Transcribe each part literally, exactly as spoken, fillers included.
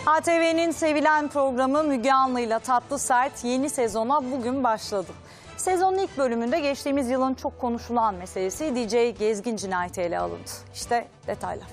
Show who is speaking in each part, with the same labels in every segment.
Speaker 1: A T V'nin sevilen programı Müge Anlı'yla Tatlı Sert yeni sezona bugün başladı. Sezonun ilk bölümünde geçtiğimiz yılın çok konuşulan meselesi D J Gezgin cinayeti ele alındı. İşte detaylar.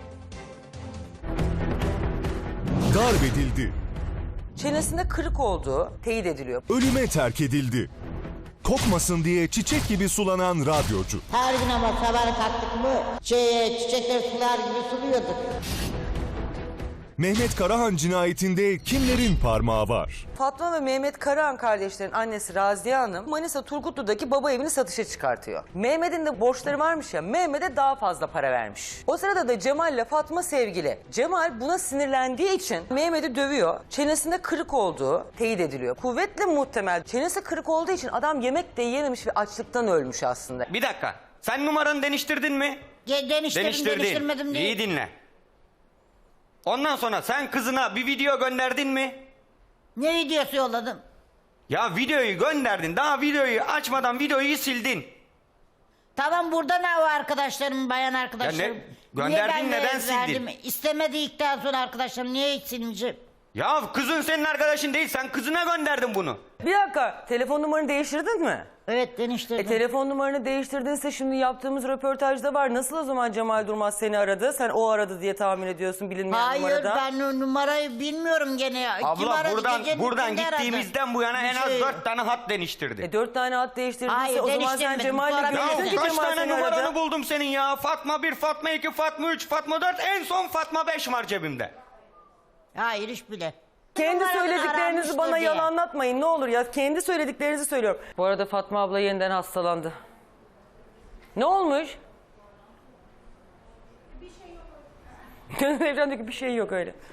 Speaker 2: Darp edildi.
Speaker 3: Çenesinde kırık olduğu teyit ediliyor.
Speaker 2: Ölüme terk edildi. Kokmasın diye çiçek gibi sulanan radyocu.
Speaker 4: Her gün ama sabah kalktık mı şey, çiçekleri sular gibi suluyorduk.
Speaker 2: Mehmet Karahan cinayetinde kimlerin parmağı var?
Speaker 3: Fatma ve Mehmet Karahan kardeşlerin annesi Raziye Hanım Manisa Turgutlu'daki baba evini satışa çıkartıyor. Mehmet'in de borçları varmış ya, Mehmet'e daha fazla para vermiş. O sırada da Cemal ile Fatma sevgili. Cemal buna sinirlendiği için Mehmet'i dövüyor. Çenesinde kırık olduğu teyit ediliyor. Kuvvetle muhtemel çenesi kırık olduğu için adam yemek de yiyememiş ve açlıktan ölmüş aslında.
Speaker 5: Bir dakika. Sen numaranı deniştirdin mi?
Speaker 4: Ge- Deniştirdim, deniştirmedim değil.
Speaker 5: İyi dinle. Ondan sonra sen kızına bir video gönderdin mi?
Speaker 4: Ne videosu yolladım?
Speaker 5: Ya videoyu gönderdin. Daha videoyu açmadan videoyu sildin.
Speaker 4: Tamam, burada ne var arkadaşlarım, bayan arkadaşlarım?
Speaker 5: Ya ne- gönderdin,
Speaker 4: Niye ben
Speaker 5: neden
Speaker 4: de
Speaker 5: sildin?
Speaker 4: verdim? İstemedikten sonra arkadaşlarım niye hiç silmeyeceğim?
Speaker 5: Ya kızın senin arkadaşın değil. Sen kızına gönderdin bunu.
Speaker 3: Bir dakika, telefon numaranı değiştirdin mi?
Speaker 4: Evet, deniştirdim.
Speaker 3: E, telefon numaranı değiştirdinse şimdi yaptığımız röportajda var. Nasıl o zaman Cemal Durmaz seni aradı? Sen o aradı diye tahmin ediyorsun bilinmeyen
Speaker 4: Hayır,
Speaker 3: numarada.
Speaker 4: ben o numarayı bilmiyorum gene. Kim
Speaker 5: Abla
Speaker 4: aradı?
Speaker 5: buradan
Speaker 4: Gecenin
Speaker 5: buradan
Speaker 4: ikindi aradı.
Speaker 5: gittiğimizden bu yana
Speaker 4: Bir
Speaker 5: en az
Speaker 4: şey-
Speaker 5: dört tane hat deniştirdi.
Speaker 3: E, dört tane hat değiştirdiyse
Speaker 4: Hayır,
Speaker 3: o zaman sen
Speaker 4: değiştirmedim.
Speaker 3: Cemal'le
Speaker 4: Sonra
Speaker 3: görüştün
Speaker 4: ben-
Speaker 3: ki
Speaker 5: Kaç
Speaker 3: Cemal
Speaker 5: tane
Speaker 3: seni
Speaker 5: numaranı
Speaker 3: aradı.
Speaker 5: buldum senin ya? Fatma bir, Fatma iki, Fatma üç, Fatma dört, en son Fatma beş var cebimde.
Speaker 4: Hayır, hiç bile.
Speaker 3: Kendi
Speaker 4: Numaranı
Speaker 3: söylediklerinizi
Speaker 4: aranmıştır
Speaker 3: bana
Speaker 4: diye.
Speaker 3: yalanlatmayın ne olur ya. Kendi söylediklerinizi söylüyorum. Bu arada Fatma abla yeniden hastalandı. Ne olmuş? Bir şey yok. Evren diyor ki bir şey yok öyle.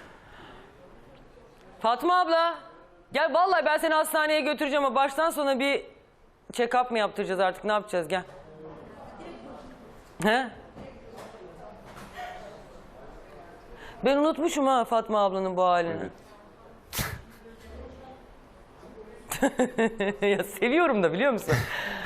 Speaker 3: Fatma abla. Gel vallahi ben seni hastaneye götüreceğim ama baştan sona bir check-up mı yaptıracağız artık, ne yapacağız, gel. He? Ben unutmuşum ha Fatma ablanın bu halini. Evet. Ya seviyorum da biliyor musun?